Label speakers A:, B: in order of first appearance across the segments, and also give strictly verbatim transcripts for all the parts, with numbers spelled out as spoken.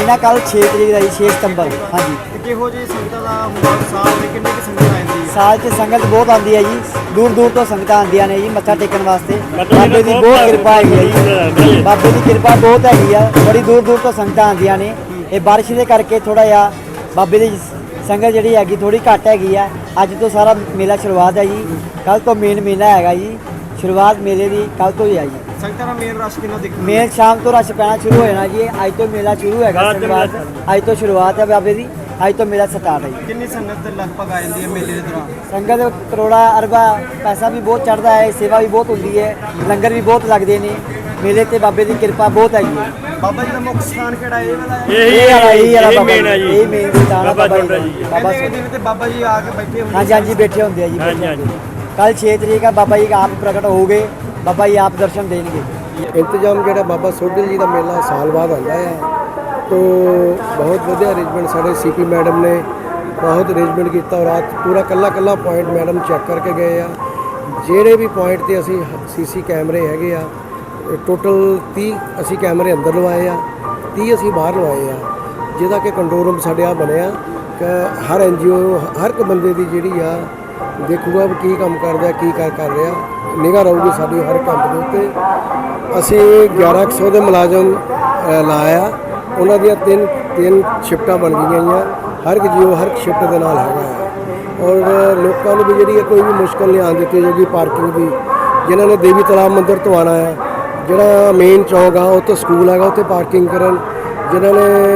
A: ਇਹਨਾਂ ਕੱਲ ਛੇ ਤਰੀਕ ਦਾ ਜੀ, ਛੇ ਸਤੰਬਰ। ਹਾਂਜੀ,
B: ਤੇ ਕਿਹੋ ਜਿਹੀ ਸੰਗਤਾਂ ਦਾ ਹੁੰਦਾ ਸਾਲ ਦੇ ਕਿੰਨੇ ਕਿ ਸੰਗਤ ਆ ਜਾਂਦੀ ਹੈ?
A: ਸਾਲ 'ਚ ਸੰਗਤ ਬਹੁਤ ਆਉਂਦੀ ਹੈ ਜੀ, ਦੂਰ ਦੂਰ ਤੋਂ ਸੰਗਤਾਂ ਆਉਂਦੀਆਂ ਨੇ ਜੀ ਮੱਥਾ ਟੇਕਣ ਵਾਸਤੇ। ਬਾਬੇ ਦੀ ਬਹੁਤ ਕਿਰਪਾ ਹੈਗੀ ਹੈ ਜੀ, ਬਾਬੇ ਦੀ ਕਿਰਪਾ ਬਹੁਤ ਹੈਗੀ ਆ, ਬੜੀ ਦੂਰ ਦੂਰ ਤੋਂ ਸੰਗਤਾਂ ਆਉਂਦੀਆਂ ਨੇ। ਇਹ ਬਾਰਿਸ਼ ਦੇ ਕਰਕੇ ਥੋੜਾ ਜਿਹਾ ਬਾਬੇ ਦੀ ਸੰਗਤ ਜਿਹੜੀ ਹੈਗੀ ਥੋੜੀ ਘੱਟ ਹੈਗੀ ਆ। ਅੱਜ ਤੋਂ ਸਾਰਾ ਮੇਲਾ ਸ਼ੁਰੂਆਤ ਹੈ ਜੀ, ਕੱਲ ਤੋਂ ਮੇਨ ਮੇਲਾ ਹੈਗਾ ਜੀ, ਸ਼ੁਰੂਆਤ ਮੇਲੇ ਦੀ ਕੱਲ ਤੋਂ ਹੀ ਹੈ ਜੀ।
B: ਸੰਗਤਾਂ ਦਾ ਮੇਨ ਰਸ਼ ਕਿੰਨਾ ਦੇਖਣ ਨੂੰ
A: ਮੇਲ ਸ਼ਾਮ ਤੋਂ ਰਸ਼ ਪੈਣਾ ਸ਼ੁਰੂ ਹੋ ਜਾਣਾ ਜੀ। ਅੱਜ ਤੋਂ ਮੇਲਾ ਸ਼ੁਰੂ ਹੈਗਾ, ਸ਼ੁਰੂਆਤ ਅੱਜ ਤੋਂ ਸ਼ੁਰੂਆਤ ਹੈ ਬਾਬੇ ਦੀ, ਅੱਜ ਤੋਂ ਮੇਲਾ ਸਟਾਰਟ ਹੈ ਜੀ।
B: ਕਿੰਨੀ ਸੰਗਤ ਦੇ ਲਗਭਗ ਆ ਜਾਂਦੀ ਹੈ ਮੇਲੇ ਦੇ ਦੌਰਾਨ?
A: ਸੰਗਤ ਕਰੋੜਾ ਅਰਬਾ ਪੈਸਾ ਵੀ ਬਹੁਤ ਚੜ੍ਹਦਾ ਹੈ, ਸੇਵਾ ਵੀ ਬਹੁਤ ਹੁੰਦੀ ਹੈ, ਲੰਗਰ ਵੀ ਬਹੁਤ ਲੱਗਦੇ ਨੇ। ਮੇਲੇ ਤੇ ਬਾਬੇ ਦੀ ਕਿਰਪਾ ਬਹੁਤ ਹੈਗੀ ਹੈ।
B: ਬਾਬਾ ਜੀ ਦਾ ਮੁੱਖ ਸਥਾਨ ਕਿਹੜਾ ਇਹ ਵਾਲਾ ਹੈ?
A: ਇਹ ਵਾਲਾ ਇਹ ਵਾਲਾ ਬਾਬਾ
C: ਮੇਨ ਹੈ ਜੀ,
A: ਇਹ ਮੇਨ ਸਥਾਨ ਹੈ ਬਾਬਾ ਜੀ ਦਾ। ਬਾਬਾ
B: ਕਹਿੰਦੇ ਜਿਵੇਂ ਤੇ ਬਾਬਾ ਜੀ ਆ ਕੇ ਬੈਠੇ ਹੁੰਦੇ
A: ਹਾਂਜੀ ਹਾਂਜੀ ਬੈਠੇ ਹੁੰਦੇ ਆ ਜੀ।
C: ਹਾਂਜੀ, ਹਾਂਜੀ।
A: ਕੱਲ ਛੇ ਤਰੀਕ ਆ, ਬਾਬਾ ਜੀ ਆਪ ਪ੍ਰਗਟ ਹੋ ਗਏ, ਬਾਬਾ ਜੀ ਆਪ ਦਰਸ਼ਨ ਦੇਣਗੇ।
D: ਇੰਤਜ਼ਾਮ ਜਿਹੜਾ ਬਾਬਾ ਸੋਢੀ ਜੀ ਦਾ ਮੇਲਾ ਸਾਲ ਬਾਅਦ ਆਉਂਦਾ ਹੈ, ਤੋ ਬਹੁਤ ਵਧੀਆ ਅਰੇਂਜਮੈਂਟ ਸਾਡੇ ਸੀਪੀ ਮੈਡਮ ਨੇ ਬਹੁਤ ਅਰੇਂਜਮੈਂਟ ਕੀਤਾ। ਔਰ ਰਾਤ ਪੂਰਾ ਕੱਲਾ ਕੱਲਾ ਪੁਆਇੰਟ ਮੈਡਮ ਚੈੱਕ ਕਰਕੇ ਗਏ ਆ। ਜਿਹੜੇ ਵੀ ਪੁਆਇੰਟ ਤੇ ਅਸੀਂ ਸੀਸੀ ਕੈਮਰੇ ਹੈਗੇ ਆ, ਟੋਟਲ ਤੀਹ ਅਸੀਂ ਕੈਮਰੇ ਅੰਦਰ ਲਵਾਏ ਆ, ਤੀਹ ਅਸੀਂ ਬਾਹਰ ਲਵਾਏ ਆ, ਜਿਹਦਾ ਕਿ ਕੰਟਰੋਲ ਰੂਮ ਸਾਡੇ ਆ ਬਣਿਆ ਕਿ ਹਰ ਐਨ ਜੀ ਓ ਹਰ ਇੱਕ ਬੰਦੇ ਦੀ ਜਿਹੜੀ ਆ ਦੇਖੂਗਾ ਵੀ ਕੀ ਕੰਮ ਕਰਦਾ, ਕੀ ਕਰ ਕਰ ਰਿਹਾ, ਨਿਗਾਹ ਰਹੂਗੀ ਸਾਡੀ ਹਰ ਕੰਮ ਦੇ ਉੱਤੇ। ਅਸੀਂ ਗਿਆਰਾਂ ਕੁ ਸੌ ਦੇ ਮੁਲਾਜ਼ਮ ਲਾਇਆ, ਉਹਨਾਂ ਦੀਆਂ ਤਿੰਨ ਤਿੰਨ ਸ਼ਿਫਟਾਂ ਬਣ ਗਈਆਂ ਆ, ਹਰ ਇੱਕ ਜੀਓ ਹਰ ਇੱਕ ਸ਼ਿਫਟ ਦੇ ਨਾਲ ਹੈਗਾ ਆ। ਔਰ ਲੋਕਾਂ ਨੂੰ ਵੀ ਜਿਹੜੀ ਹੈ ਕੋਈ ਵੀ ਮੁਸ਼ਕਲ ਨਹੀਂ ਆਉਣ ਦਿੱਤੀ ਜਾਊਗੀ ਪਾਰਕਿੰਗ ਦੀ। ਜਿਨ੍ਹਾਂ ਨੇ ਦੇਵੀ ਤਲਾਬ ਮੰਦਿਰ ਤੋਂ ਆਉਣਾ ਆ, ਜਿਹੜਾ ਮੇਨ ਚੌਂਕ ਆ ਉੱਥੇ ਸਕੂਲ ਹੈਗਾ, ਉੱਥੇ ਪਾਰਕਿੰਗ ਕਰਨ। ਜਿਨ੍ਹਾਂ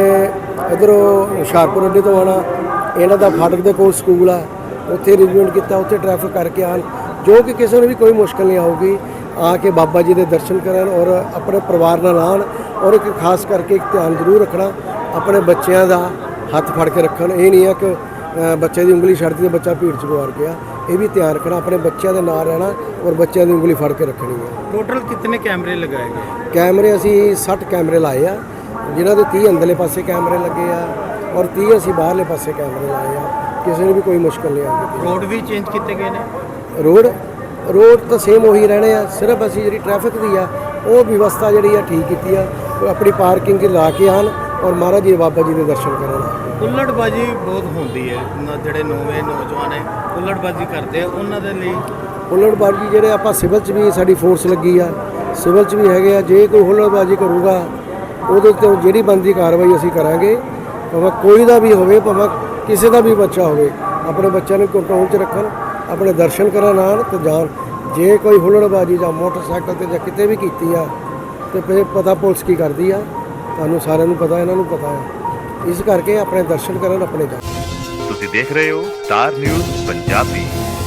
D: ਨੇ ਇੱਧਰੋਂ ਹੁਸ਼ਿਆਰਪੁਰ ਅੱਡੇ ਤੋਂ ਆਉਣਾ, ਇਹਨਾਂ ਦਾ ਫਾਟਕ ਦੇ ਕੋਲ ਸਕੂਲ ਆ, ਉੱਥੇ ਅਰੇਂਜਮੈਂਟ ਕੀਤਾ, ਉੱਥੇ ਟ੍ਰੈਫਿਕ ਕਰਕੇ ਆਉਣ, ਜੋ ਕਿ ਕਿਸੇ ਨੂੰ ਵੀ ਕੋਈ ਮੁਸ਼ਕਲ ਨਹੀਂ ਆਊਗੀ। ਆ ਕੇ ਬਾਬਾ ਜੀ ਦੇ ਦਰਸ਼ਨ ਕਰਨ ਔਰ ਆਪਣੇ ਪਰਿਵਾਰ ਨਾਲ ਆਉਣ। ਔਰ ਇੱਕ ਖਾਸ ਕਰਕੇ ਇੱਕ ਧਿਆਨ ਜ਼ਰੂਰ ਰੱਖਣਾ, ਆਪਣੇ ਬੱਚਿਆਂ ਦਾ ਹੱਥ ਫੜ ਕੇ ਰੱਖਣ। ਇਹ ਨਹੀਂ ਹੈ ਕਿ ਬੱਚੇ ਦੀ ਉਂਗਲੀ ਛੱਡਦੀ ਤੇ ਬੱਚਾ ਭੀੜ 'ਚ ਗੁਆਰ ਗਿਆ। ਇਹ ਵੀ ਧਿਆਨ ਰੱਖਣਾ, ਆਪਣੇ ਬੱਚਿਆਂ ਦੇ ਨਾਲ ਰਹਿਣਾ ਔਰ ਬੱਚਿਆਂ ਦੀ ਉਂਗਲੀ ਫੜ ਕੇ ਰੱਖਣੀ ਹੈ।
B: ਟੋਟਲ ਕਿੰਨੇ ਕੈਮਰੇ ਲਗਾਏ ਗਏ?
D: ਕੈਮਰੇ ਅਸੀਂ ਸੱਠ ਕੈਮਰੇ ਲਾਏ ਆ, ਜਿਨ੍ਹਾਂ ਦੇ ਤੀਹ ਅੰਦਰਲੇ ਪਾਸੇ ਕੈਮਰੇ ਲੱਗੇ ਆ ਔਰ ਤੀਹ ਅਸੀਂ ਬਾਹਰਲੇ ਪਾਸੇ ਕੈਮਰੇ ਲਾਏ ਆ। ਕਿਸੇ ਨੂੰ ਵੀ ਕੋਈ ਮੁਸ਼ਕਲ ਨਹੀਂ ਆਉਂਦੀ।
B: ਰੋਡ ਵੀ ਚੇਂਜ ਕੀਤੇ ਗਏ ਨੇ?
D: ਰੋਡ ਰੋਡ ਤਾਂ ਸੇਮ ਉਹੀ ਰਹਿਣੇ ਆ, ਸਿਰਫ ਅਸੀਂ ਜਿਹੜੀ ਟ੍ਰੈਫਿਕ ਦੀ ਆ ਉਹ ਵਿਵਸਥਾ ਜਿਹੜੀ ਆ ਠੀਕ ਕੀਤੀ ਆ। ਆਪਣੀ ਪਾਰਕਿੰਗ ਲਾ ਕੇ ਆਉਣ ਔਰ ਮਹਾਰਾਜ ਜੀ ਬਾਬਾ ਜੀ ਦੇ ਦਰਸ਼ਨ ਕਰਨ।
B: ਹੁੱਲੜਬਾਜੀ ਬਹੁਤ ਹੁੰਦੀ ਹੈ, ਜਿਹੜੇ ਨਵੇਂ ਨੌਜਵਾਨ ਹੈ ਹੁੱਲੜਬਾਜੀ ਕਰਦੇ ਆ, ਉਹਨਾਂ ਦੇ ਲਈ
D: ਹੁੱਲੜਬਾਜੀ ਜਿਹੜੇ ਆਪਾਂ ਸਿਵਲ 'ਚ ਵੀ ਸਾਡੀ ਫੋਰਸ ਲੱਗੀ ਆ, ਸਿਵਲ 'ਚ ਵੀ ਹੈਗੇ ਆ। ਜੇ ਕੋਈ ਹੁੱਲੜਬਾਜੀ ਕਰੂਗਾ ਉਹਦੇ ਤੋਂ ਜਿਹੜੀ ਬਣਦੀ ਕਾਰਵਾਈ ਅਸੀਂ ਕਰਾਂਗੇ, ਭਾਵੇਂ ਕੋਈ ਦਾ ਵੀ ਹੋਵੇ, ਭਾਵੇਂ ਕਿਸੇ ਦਾ ਵੀ ਬੱਚਾ ਹੋਵੇ। ਆਪਣੇ ਬੱਚਿਆਂ ਨੂੰ ਕੰਟਰੋਲ 'ਚ ਰੱਖਣ, ਆਪਣੇ ਦਰਸ਼ਨ ਕਰਨ ਆਉਣ ਤੇ ਜਾਣ। ਜੇ ਕੋਈ ਹੁੱਲੜਬਾਜੀ ਜਾਂ ਮੋਟਰਸਾਈਕਲ 'ਤੇ ਜਾਂ ਕਿਤੇ ਵੀ ਕੀਤੀ ਆ ਤੇ ਫਿਰ ਪਤਾ ਪੁਲਿਸ ਕੀ ਕਰਦੀ ਆ, ਤੁਹਾਨੂੰ ਸਾਰਿਆਂ ਨੂੰ ਪਤਾ, ਇਹਨਾਂ ਨੂੰ ਪਤਾ ਹੈ। ਇਸ ਕਰਕੇ ਆਪਣੇ ਦਰਸ਼ਨ ਕਰਨ, ਆਪਣੇ ਜਾਣ।
E: ਤੁਸੀਂ ਦੇਖ ਰਹੇ ਹੋ ਸਟਾਰ ਨਿਊਜ਼ ਪੰਜਾਬੀ।